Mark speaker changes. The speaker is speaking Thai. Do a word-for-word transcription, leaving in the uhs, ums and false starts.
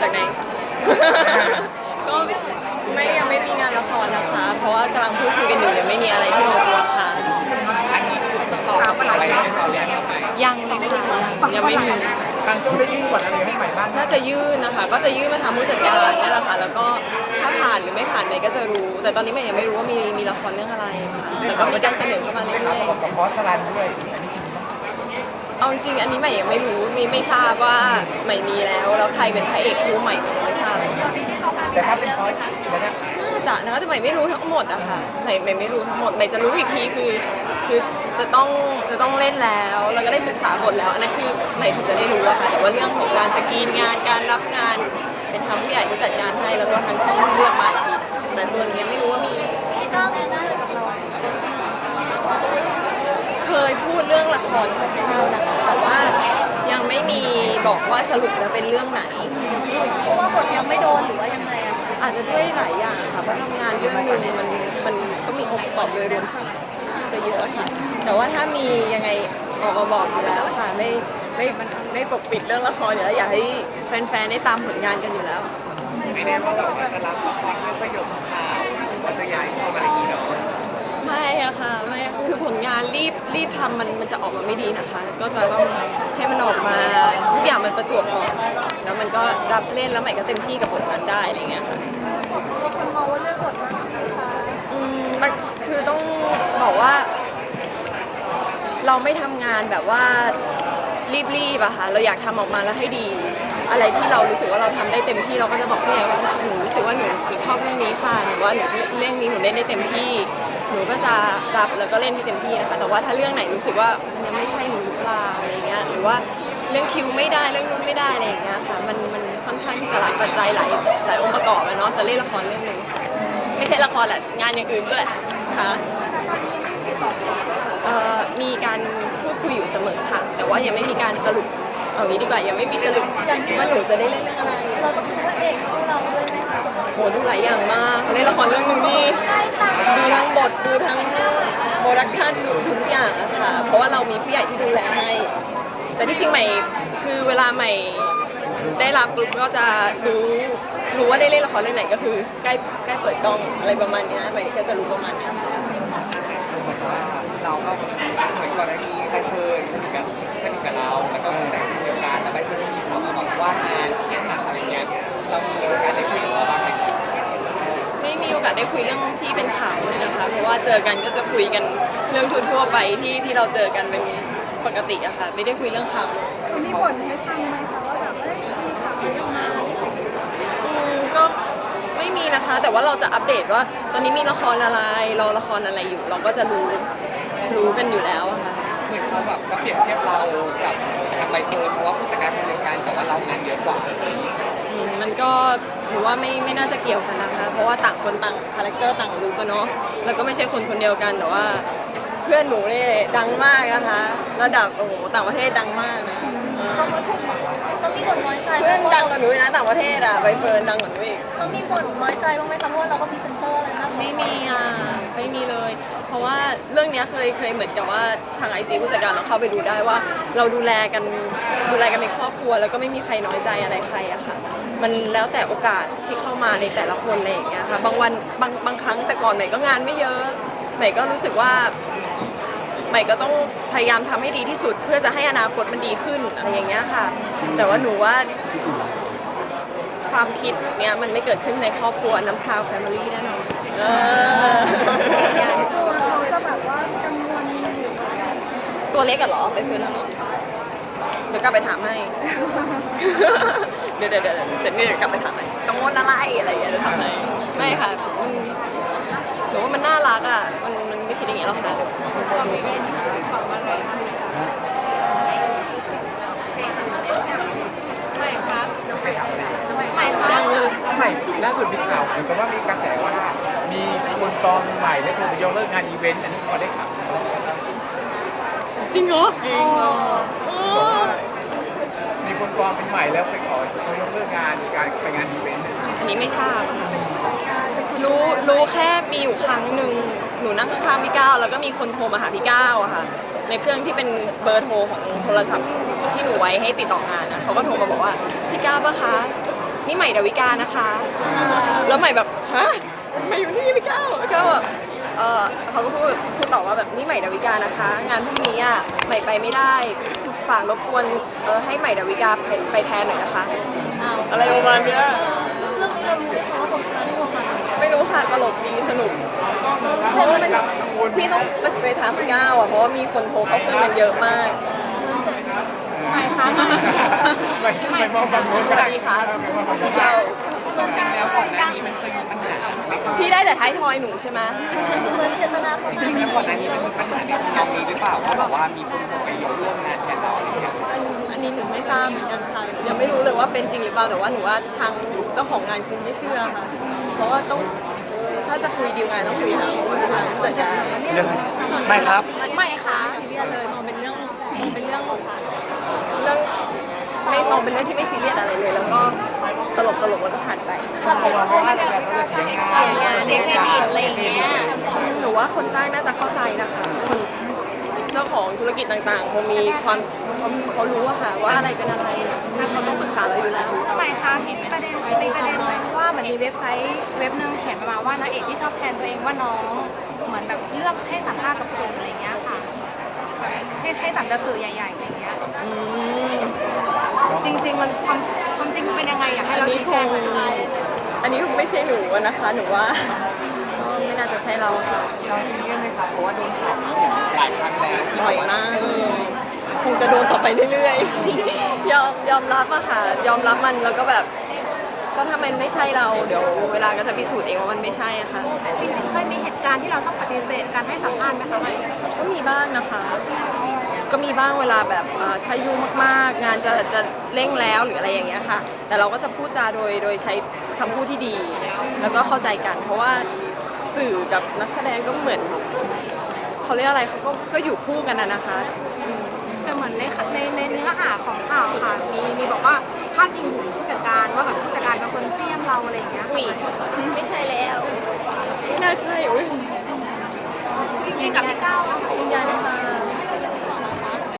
Speaker 1: จากไหน ก็ไม่ยังไม่มีงานละครนะคะ เพราะว่ากำลังพูดคุยกันอยู่ยังไม่มีอะไรที่ลงตัวค่ะยังเลยค่ะยังไม่มี
Speaker 2: ทางโจ้ได้ยื่นกฎอะไรให้ใหม่บ้าง
Speaker 1: น่าจะยื่นนะคะ ก็จะยื่นมาทางผู้จัดการนี่แหละค่ะ แล้วก็ถ้าผ่านหรือไม่ผ่านเนยก็จะรู้ แต่ตอนนี้เมย์ยังไม่รู้ว่ามีมีละครเรื่องอะไรค่ะแต่ก็มีการเสนอเข้ามาเรื่
Speaker 2: ครับ
Speaker 1: อย
Speaker 2: ผมกับบอสสลันด้วยอันนี้จริงไหม
Speaker 1: ๆเอาจริงๆอันนี้ใหม่ยังไม่รู้ไม่ไม่ทราบว่าใหม่มีแล้วแล้วใครเป็นพระเอกคู่ใหม่ไม่ทราบ
Speaker 2: แต่ถ้าเป็นบอสนะ
Speaker 1: น่าจะนะคะแต่ใหม่ไม่รู้ทั้งหมดอะค่ะใหม่ใหม่ไม่รู้ทั้งหมดใหม่จะรู้อีกทีคือคือจะต้องจะต้องเล่นแล้วแล้วก็ได้ศึกษาบทแล้วอันนั้นคือใหม่ถึงจะได้รู้อะค่ะแต่ว่าเรื่องของการสกรีนงานการรับงานเป็นทางผู้ใหญ่ที่จัดการให้แล้วก็ทางช่องที่เลือกมาอีกทีแต่ตัวนี้ไม่รู้ว่ามี
Speaker 3: พี่ก้าวเจอหน้ากับเรา
Speaker 1: เคยพูดเรื่องละครคร่าวๆนะคะแต่ว่ายังไม่มีบอกว่าสรุปแล้วเป็นเรื่องไหน
Speaker 3: เพราะว่าบทยังไม่โดนหรือว่ายังไงอะคะ
Speaker 1: อาจจะด้วยหลายอย่างค่ะเพราะทำงานเรื่องหนึ่งมันมันก็มีองค์ประกอบโดยรวมค่อนข้างจะเยอะค่ะแต่ว่าถ้ามียังไงออกมาบอกอยู่แล้วค่ะไม่ไม่ไม่ปกปิดเรื่องละครอยู่แล้วอยากให้แฟนๆได้ตามผลงานกันอยู่แล้ว
Speaker 4: ไม่ได้ว่าแบบว่าจะรับละครเพื่อสยบข่าวว่าจะย้ายช่องอะไรอย่างนี้เนาะ
Speaker 1: ไม่อะค่ะไม่คือผลงานรีบรีบทำมันมันจะออกมาไม่ดีนะคะ ก็จะต้องให้มันออกมาทุกอย่างมันประจวบเหมาะแล้วมันก็รับเล่นแล้วใหม่ก็เต็มที่กับบทนั้นได้อะไรเงี้ยค่ะ
Speaker 3: ตัวคนมองว่าเลือกบทมันนะคะ
Speaker 1: อืมมันคือต้องบอกว่า เราไม่ทำงานแบบว่ารีบๆอะค่ะเราอยากทำออกมาแล้วให้ดี อะไรที่เรารู้สึกว่าเราทำได้เต็มที่เราก็จะบอกพี่ใหญ่ว่าหนูรู้สึกว่าหนูหนูชอบเรื่องนี้ค่ะหนูว่าหนูเรื่องนี้หนูเล่นได้เต็มที่ หนูก็จะรับแล้วก็เล่นให้เต็มที่นะคะแต่ว่าถ้าเรื่องไหนรู้สึกว่ามันยังไม่ใช่หนูหรือเปล่าอะไรเงี้ยหรือว่าเรื่องคิวไม่ได้เรื่องนู้นไม่ได้อะไรอย่างเงี้ยค่ะมันมันค่อนข้างที่จะหลายปัจจัยหลายหลายองค์ประกอบอะเนาะจะเล่นละครเรื่องหนึ่งไม่ใช่ละครแหละงานอย่างอื่นด้วยค่ะ
Speaker 3: แต่ตอนนี้ไม่ติดต่อ
Speaker 1: เอ่อมีการพูดคุยอยู่เสมอค่ะ แต่ว่ายังไม่มีการสรุปเอางี้ดีกว่ายังไม่มีสรุปว่าหนูจะได้เล่นเรื่องอะไร
Speaker 3: เราต้องดูพระเอกของเราด้วยไหมคะ
Speaker 1: โหดูหลายอย่างมากเล่นละครเรื่องหนึงนี่ดูทั้งบทดูทั้งโปรดักชันดูทุกอย่างอะค่ะ เพราะว่าเรามีผู้ใหญ่ที่ดูแลให้ แต่ที่จริงใหม่คือเวลาใหม่ได้รับปุ๊บก็จะรู้รู้ว่าได้เล่นละครเรื่องไหนก็คือใกล้ใกล้เปิดกล้องอะไรประมาณเนี้ยใหม่ก็จะรู้ประมาณเนี้ย
Speaker 4: เราก็เหมือนก่อนหน้านี้ใบเฟิร์นสนิทกับสนิทกับเราแล้วก็แต่งเดียวกันแล้วใบเฟิร์นก็มีชอบมาบอกว่างานเครียดหนักอะไรเงี้ยเรามีโอกาสได้คุยกับเขาบ้างไหม
Speaker 1: ไม่มีโอกาสได้คุยเรื่องที่เป็นข่าวเลยนะคะ เพราะว่าเจอกันก็จะคุยกันเรื่องทั่วๆไปที่ที่เราเจอกันเป็นปกติอะค่ะ ไม่ได้คุยเรื่องข่าวเลย
Speaker 3: มีบทให้ฟังไหมคะว่าแบบเอ้ยมีข่าวเรื่องมา
Speaker 1: อืมก็ไม่มีนะคะ แต่ว่าเราจะอัปเดตว่า ตอนนี้มีละครอะไรรอละครอะไรอยู่ เราก็จะรู้รู้กันอยู่แล้วอะค่ะ
Speaker 4: เหมือนเขาแบบก็เปรียบเทียบเรากับทางใบเฟิร์นเพราะว่าผู้จัดการคนเดียวกันแต่ว่าเรางานเยอะกว่า
Speaker 1: อืมมันก็หนูว่าไม่ไม่น่าจะเกี่ยวกันนะคะ เพราะว่าต่างคนต่างคาแรคเตอร์ต่างรู้กันเนาะแล้วก็ไม่ใช่คนคนเดียวกันแต่ว่าเพื่อนหนูเนี่ยดังมากนะคะระดับโอ้โหต่างประเทศดังมากนะเออ
Speaker 3: เขาก็ถูกต้องมีบทน้อยใจ
Speaker 1: เพื่อนดังกว่าหนูอีกนะต่างประเทศอะใบเฟิร์นดังกว่าหนูอีก
Speaker 3: เขามีบทน้อยใจบ้างไหมคะเพราะว่าเราก็พรีเซนเตอร์อะไรนะ
Speaker 1: ไม่มีอ่ะไม่มีเลย เพราะว่าเรื่องเนี้ยเคยเคยเหมือนกับว่าทางไอจีผู้จัดการเราเข้าไปดูได้ว่า เราดูแลกันดูแลกันในครอบครัว แล้วก็ไม่มีใครน้อยใจอะไรใครอะค่ะ มันแล้วแต่โอกาสที่เข้ามาในแต่ละคนอะไรอย่างเงี้ยค่ะบางวันบางบางครั้งแต่ก่อนใหม่ก็งานไม่เยอะใหม่ก็รู้สึกว่าใหม่ก็ต้องพยายามทำให้ดีที่สุด เพื่อจะให้อนาคตมันดีขึ้นอะไรอย่างเงี้ยค่ะ แต่ว่าหนูว่าความคิดเนี้ยมันไม่เกิดขึ้นในครอบครัวน้ำพราวแฟมิลี่แน่นอนเออ
Speaker 3: ตัวเขาจะแบบว่ากังวลหรือว่า
Speaker 1: ตัวเล็กอะเหรอไปซื้อแล้วเหรอเดี๋ยวกลับไปถามให้ เดี๋ยวเดี๋ยวเดี๋ยวเสร็จนี่เดี๋ยวกลับไปถามให้กังวลอะไรอะไรอย่างเงี้ยเดี๋ยวถามให้ไม่ค่ะมันหนูว่ามันน่ารักอะมันมันไม่คิดอย่างเงี้ยหรอกค่ะยังเลย
Speaker 2: ใหม่ล่าสุดมีข่าวเหมือนกับว่ามีกระแสว่ามีคนปลอมใหม่และคนไปยกเลิกงานอีเวนต์อันนี้พอได้ข่าว
Speaker 1: จริงเหรอ
Speaker 2: จริงมีคนปลอมเป็นใหม่แล้วไปขอเขายกเลิกงานการไปงานอีเวนต์
Speaker 1: อันนี้ไม่ทราบอะรู้รู้แค่มีอยู่ครั้งหนึ่งหนูนั่งข้างๆพี่ก้าวแล้วก็มีคนโทรมาหาพี่ก้าวอะค่ะในเครื่องที่เป็นเบอร์โทรของโทรศัพท์ที่หนูไว้ให้ติดต่องานนะเขาก็โทรมาบอกว่าพี่ก้าวปะคะนี่ใหม่ดาวิกานะคะแล้วใหม่แบบฮะใหม่อยู่ที่นี่พี่ก้าวแล้วก็แบบเออเขาก็พูดพูดต่อว่าแบบนี่ใหม่ดาวิกานะคะ งานพรุ่งนี้อ่ะใหม่ไปไม่ได้ฝากรบกวนเออให้ใหม่ดาวิกาไปไปแทนหน่อยนะคะอะไรประมาณเนี้ย
Speaker 3: เรื่องนี้เรารู้ไหมคะว่าคนนั้นคนนั้น
Speaker 1: ไม่รู้ค่ะตลกดีสนุกเพราะว่ามันพี่ต้องไปถามพี่ก้าวอ่ะเพราะว่ามีคนโทรเข้าคุยกันเยอะมาก
Speaker 3: ใครคะ
Speaker 2: ไม่ไม่มองบางคน
Speaker 1: สวัสดีครับเรา
Speaker 4: จริงๆแล้วก่อนหน้านี้มันเคยมีปัญหาไหม
Speaker 1: พี่ได้แต่ท้ายทอยหนูใช่ไหม
Speaker 3: เหมือนเจตนาเขา
Speaker 4: จ
Speaker 3: มา
Speaker 4: ริงๆแล้วก่อนหน้านี้มันมีปัญหาในทางนี้หรือเปล่าว่าแบบว่ามีคนไปยกร่วมงานแทนเราอะไรอย่างเงี้ย
Speaker 1: อันอันนี้หนูไม่ทราบเหมือนกันค่ะยังไม่รู้เลยว่าเป็นจริงหรือเปล่าแต่ว่าหนูว่าทางเจ้าของงานคงไม่เชื่อค่ะเพราะว่าต้องถ้าจะคุยดีลงานต้องคุยทางทางผู้จัดการ
Speaker 5: เรื่องไม่ครับ
Speaker 3: ไม่ค่ะ
Speaker 1: ซีเรียสเลยมองเป็นเรื่องเป็นเรื่องเรื่องไม่มองเป็นเรื่องที่ไม่ซีเรียสอะไรเลย แล้วก็ตลกตลกแล้วก็ผ่านไป
Speaker 3: เราเป็นคนแบบเสียงานเสียเครดิตอะไรอย่างเงี้ย
Speaker 1: หนูว่าคนจ้างน่าจะเข้าใจนะคะคนเจ้าของธุรกิจต่างๆคงมีความเขาเขารู้อะค่ะว่าอะไรเป็นอะไรเขาต้องปรึกษาเราอยู่แล้ว
Speaker 6: ทำไมคะมีประเด็นมีประเด็นว่าเหมือนมีเว็บไซต์เว็บหนึงเขียนมาว่านางเอกที่ชอบแทนตัวเองว่าน้องเหมือนแบบเลือกให้สัมภาษณ์กับสื่ออะไรเงี้ยค่ะให้ให้สัมภาษณ์สื่อใหญ่ๆอะไรเงี้ยจริง ๆ มันความความจริงมันเป็นยังไงอยากให้
Speaker 1: อัน
Speaker 6: เรา
Speaker 1: นี้
Speaker 6: ชี้
Speaker 1: ค
Speaker 6: แจ
Speaker 1: ง
Speaker 6: งหน่อย
Speaker 1: อันนี้คงไม่ใช่หนูอะนะคะ หนูว่าก็ไม่น่าจะใช่เราค่ะ
Speaker 4: เราซีเรียสไหมครับเพราะว่าโดนข่าวหลายครั้งแล้วที่
Speaker 1: บ่อยมากเลยคงจะโดนต่อไปเรื่อยๆ ยอมยอมรับอะค่ะ ยอมรับมันแล้วก็แบบ ก็ถ้ามันไม่ใช่เรา เดี๋ยวเวลาก็จะพิสูจน์เองว่ามันไม่ใช่อะค่ะ
Speaker 6: จริงๆเคยมีเหตุการณ์ที่เราต้องปฏิเสธการให้สัมภาษณ์ไหมคะ
Speaker 1: ก็มีบ้างนะคะ ก็มีบ้างเวลาแบบเอ่อถ้ายุ่งมากๆ งานจะจะเร่งแล้วหรืออะไรอย่างเงี้ยค่ะ แต่เราก็จะพูดจาโดยโดยใช้คำพูดที่ดี แล้วก็เข้าใจกัน เพราะว่าสื่อกับนักแสดงก็เหมือนเขาเรียกอะไรเขาก็ก็อยู่คู่กันนะนะคะ
Speaker 6: แต่เหมือนในในในเนื้อหาของข่าวค่ะมีมีบอกว่าพาดพิงถึงผู้จัดการว่าแบบผู้จัดการเป็นคนเสี้ยมเราอะไรอย่างเงี้ย
Speaker 1: อุ้ยไม่ใช่แล้วไม่น่าใช่อุ้ย
Speaker 6: จริงๆกับพี่ก้าว